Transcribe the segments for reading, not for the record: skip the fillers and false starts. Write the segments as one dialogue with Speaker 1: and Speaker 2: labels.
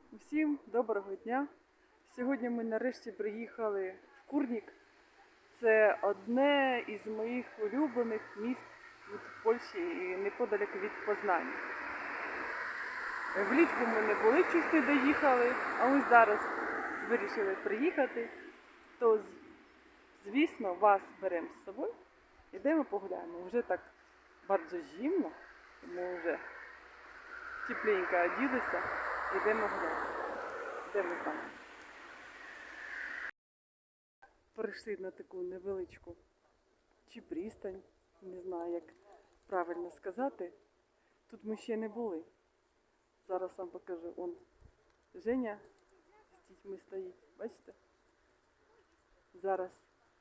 Speaker 1: Усім доброго дня! Сьогодні ми нарешті приїхали в Курнік. Це одне із моїх улюблених міст тут в Польщі і неподалік від Познані. Влітку ми не були, щось не доїхали, а ми зараз вирішили приїхати. То, звісно, вас беремо з собою. Йдемо погуляємо. Вже так дуже зимно, ми вже тепленько оділися. Йдемо гуляти. Йдемо з нами. Прийшли на таку невеличку чи пристань, не знаю, як правильно сказати. Тут ми ще не були. Зараз вам покажу. Он Женя з дітьми стоїть. Бачите? Зараз.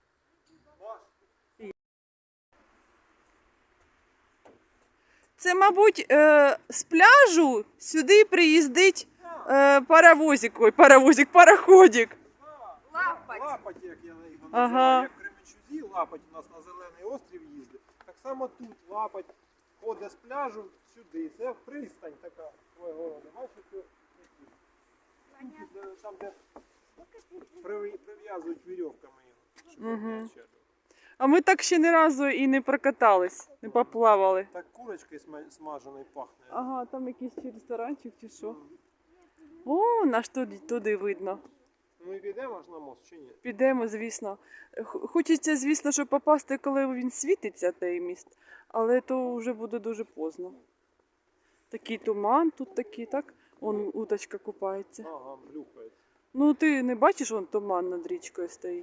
Speaker 1: Це, мабуть, з пляжу сюди приїздить пароходик.
Speaker 2: Лапать, як я його називаю,
Speaker 1: Ага.
Speaker 2: як в Кременчузі, Лапать у нас на Зелений острів їздить. Так само тут Лапать ходить з пляжу сюди. Це пристань така свого роду. Бачите, там, де прив'язують вірьовками його, щоб не відчепити.
Speaker 1: А ми так ще ні разу і не прокатались, не поплавали.
Speaker 2: Так курочкою смаженою пахне.
Speaker 1: Ага, там якийсь чи ресторанчик чи що. О, наш туди видно.
Speaker 2: Ну і підемо аж на мост, чи ні?
Speaker 1: Підемо, звісно. Хочеться, звісно, щоб попасти, коли він світиться, той міст. Але то вже буде дуже поздно. Такий туман тут такий, так? Вон уточка купається.
Speaker 2: Ага, блюкається.
Speaker 1: Ну ти не бачиш, вон туман над річкою стоїть.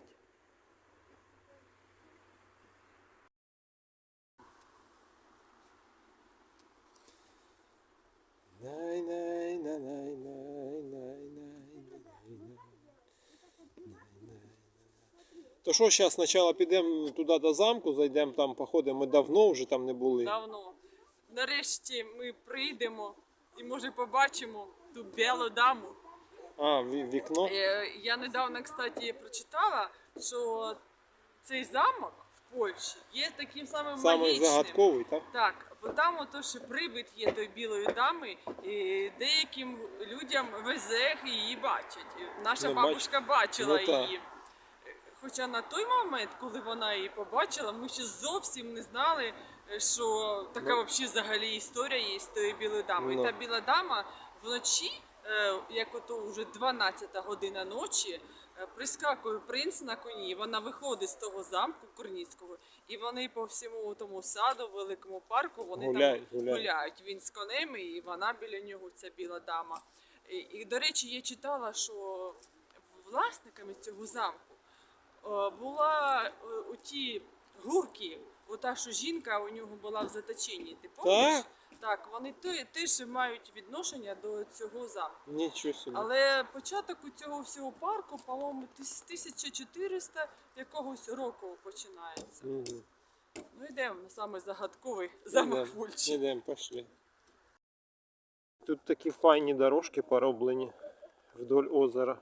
Speaker 2: То що, зараз спочатку підемо туди до замку, зайдемо там, походимо, ми давно вже там не були.
Speaker 1: Давно. Нарешті ми прийдемо і, може, побачимо ту білу даму.
Speaker 2: А, вікно?
Speaker 1: Я недавно, кстати, прочитала, що цей замок в Польщі є таким самим
Speaker 2: Самий
Speaker 1: магічним.
Speaker 2: загадковий, так?
Speaker 1: Так, бо там ото, що привид є той білої дами, і деяким людям везе її бачать. Наша
Speaker 2: Не
Speaker 1: бабушка бачила
Speaker 2: Ну, так.
Speaker 1: її. Хоча на той момент, коли вона її побачила, ми ще зовсім не знали, що така взагалі історія є з тою білою дамою.
Speaker 2: Ну.
Speaker 1: Та біла дама вночі, як ото вже 12 година ночі, прискакує принц на коні, вона виходить з того замку Курніцького, і вони по всьому тому саду, великому парку, вони
Speaker 2: Гуляють.
Speaker 1: гуляють. Він з конем, і вона біля нього, ця біла дама. І до речі, я читала, що власниками цього замку була у ті гурки, ота, що жінка у нього була в заточенні. Ти пам'ятаєш? Так, вони теж мають відношення до цього замку.
Speaker 2: Нічого собі.
Speaker 1: Але початок у цього всього парку, по-моєму, з 1400 якогось року починається.
Speaker 2: Угу.
Speaker 1: Ну йдемо на саме загадковий замок в Польщі.
Speaker 2: Ідемо, пішли. Тут такі файні дорожки пороблені вдоль озера.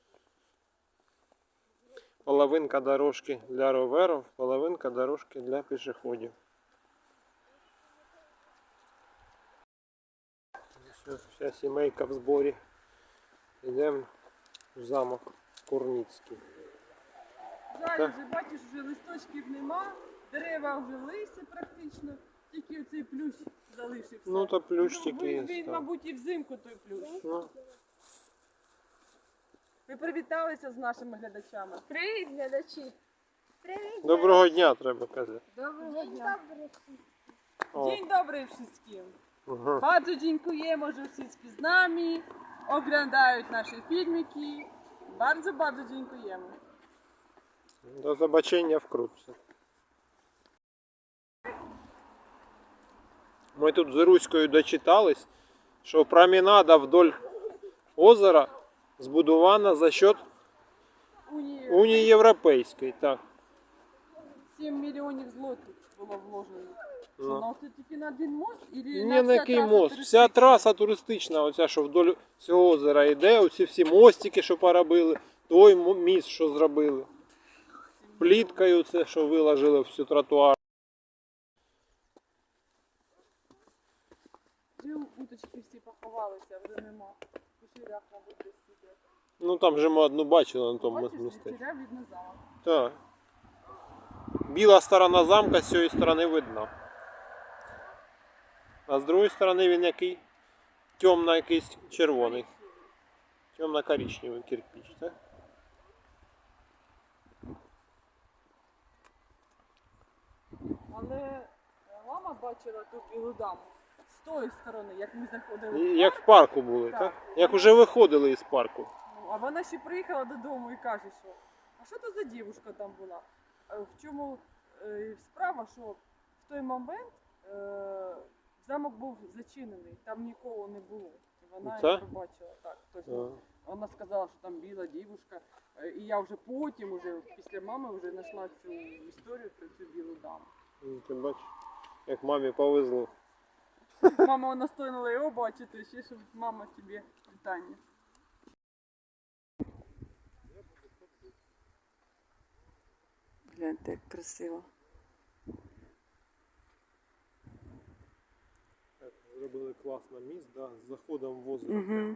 Speaker 2: Половинка дорожки для роверів, половинка дорожки для пішоходів. Вся сімейка в зборі. Йдемо в замок Курніцький.
Speaker 1: Жаль,
Speaker 2: Так.
Speaker 1: вже бачиш, вже листочків нема, дерева вже лисі практично, тільки оцей плющ залишився.
Speaker 2: Ну то плющ тільки
Speaker 1: Він,
Speaker 2: є.
Speaker 1: мабуть, і взимку той плющ.
Speaker 2: Ну,
Speaker 1: Ви привіталися з нашими глядачами.
Speaker 3: Привіт, глядачі! Привіт!
Speaker 2: доброго дня, треба казати.
Speaker 1: Доброго
Speaker 3: День
Speaker 1: дня.
Speaker 3: добрий.
Speaker 2: О,
Speaker 1: Dzień dobry wszystkim.
Speaker 2: ага.
Speaker 1: Bardzo dziękujemy, że wszyscy z nami oglądają nasze filmiki. Bardzo, bardzo dziękujemy.
Speaker 2: До побачення вкрутце. Ми тут з Руською дочитались, що променада вдоль озера збудована за счет
Speaker 1: Унії
Speaker 2: Унії Європейської. Так.
Speaker 1: 7 мільйонів злотих було вложено.
Speaker 2: Ну.
Speaker 1: Ну, це тільки на один мост? Или
Speaker 2: Ні,
Speaker 1: на
Speaker 2: на
Speaker 1: вся
Speaker 2: який
Speaker 1: траса
Speaker 2: мост.
Speaker 1: туристична?
Speaker 2: Вся траса туристична, оця, що вдоль цього озера йде, оці всі мостики, що поробили, той міст, що зробили. Пліткою це, що виложили всю тротуар.
Speaker 1: Вже уточки всі поховалися, вже нема. Черв'як, мабуть, десь іде.
Speaker 2: Ну там же ми одну бачили на тому
Speaker 1: Бачиш,
Speaker 2: місці.
Speaker 1: черв'як видно замок.
Speaker 2: Так. Біла сторона замка з цієї сторони видна. А з другої сторони він який? Темно якийсь червоний. Темно-коричневий кирпич, так?
Speaker 1: Але мама бачила ту білу даму з тої сторони, як ми заходили.
Speaker 2: Як в парку були, так? Як уже виходили із парку.
Speaker 1: Ну, а вона ще приїхала додому і каже, що а що то за дівчинка там була? В чому справа, що в той момент замок був зачинений, там нікого не було. І вона
Speaker 2: Це?
Speaker 1: її побачила. Так, тобто, вона сказала, що там біла дівчинка. І я вже потім, уже, після мами, вже знайшла цю історію про цю білу даму.
Speaker 2: Ну, ти бачиш, як мамі повезло.
Speaker 1: Мама настояла його бачити, ще щоб мама тобі вітання. Гляньте, як красиво.
Speaker 2: Так, зробили класно міст, да, з заходом в озеро.
Speaker 1: Угу.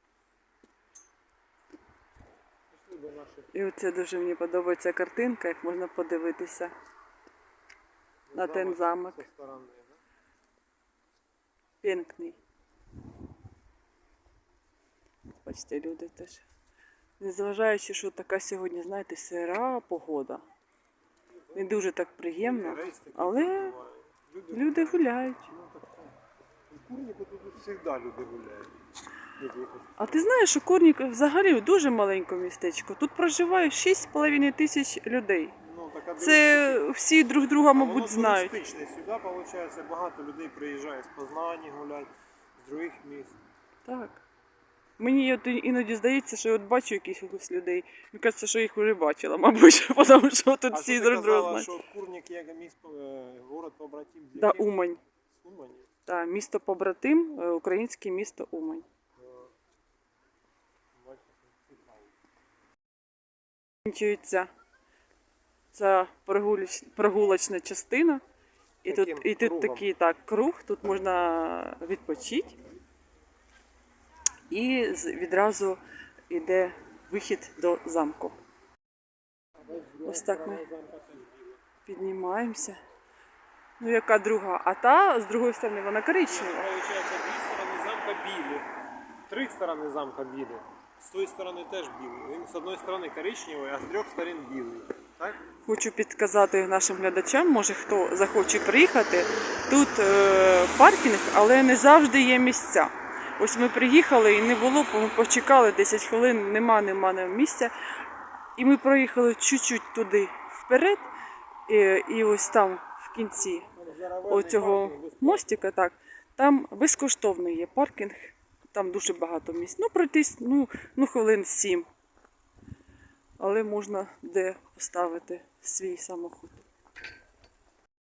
Speaker 2: Пішли до наших
Speaker 1: І оце дуже мені подобається картинка, як можна подивитися на ten замок.
Speaker 2: зі сторони, да?
Speaker 1: Пінкний. Бачите, люди теж. Незважаючи, що така сьогодні, знаєте, сира погода. Не дуже так приємно,
Speaker 2: Рейс такий
Speaker 1: але
Speaker 2: буває.
Speaker 1: люди гуляють.
Speaker 2: Ну, так, у Курнику тут завжди люди гуляють.
Speaker 1: А ти знаєш, що Курник взагалі дуже маленьке містечко. Тут проживає 6,5 тисяч людей.
Speaker 2: Ну, така
Speaker 1: Це всі друг друга, мабуть, знають.
Speaker 2: туристичне. Сюди, виходить, багато людей приїжджає з Познані гулять, з других міст.
Speaker 1: Так. Мені от іноді здається, що от бачу якихось людей. Мені кажеться, що їх вже бачила, мабуть, тому що тут всі друг друга знають.
Speaker 2: що Курник є місто, город побратим з
Speaker 1: Да,
Speaker 2: яким?
Speaker 1: Умань.
Speaker 2: З Умані?
Speaker 1: Так, місто побратим, українське місто Умань.
Speaker 2: Бачите, цікаво.
Speaker 1: Закінчується ця прогулочна частина. І
Speaker 2: Таким
Speaker 1: тут
Speaker 2: кругом.
Speaker 1: такий круг, тут можна відпочити. І відразу йде вихід до замку. Ось так ми піднімаємося. Ну, яка друга? А та, з другої сторони, вона коричнева.
Speaker 2: Получається, дві сторони замка білі, три сторони замка білі. З тої сторони теж білий. Він з одної сторони коричневий, а з трьох сторон білий. Так?
Speaker 1: Хочу підказати нашим глядачам, може хто захоче приїхати. Тут паркінг, але не завжди є місця. Ось ми приїхали і не було, ми почекали 10 хвилин, нема місця. І ми проїхали чуть-чуть туди вперед, і ось там в кінці оцього мостика, так, там безкоштовний є паркінг, там дуже багато місць. Ну, пройтись, хвилин 7. Але можна де поставити свій самохід.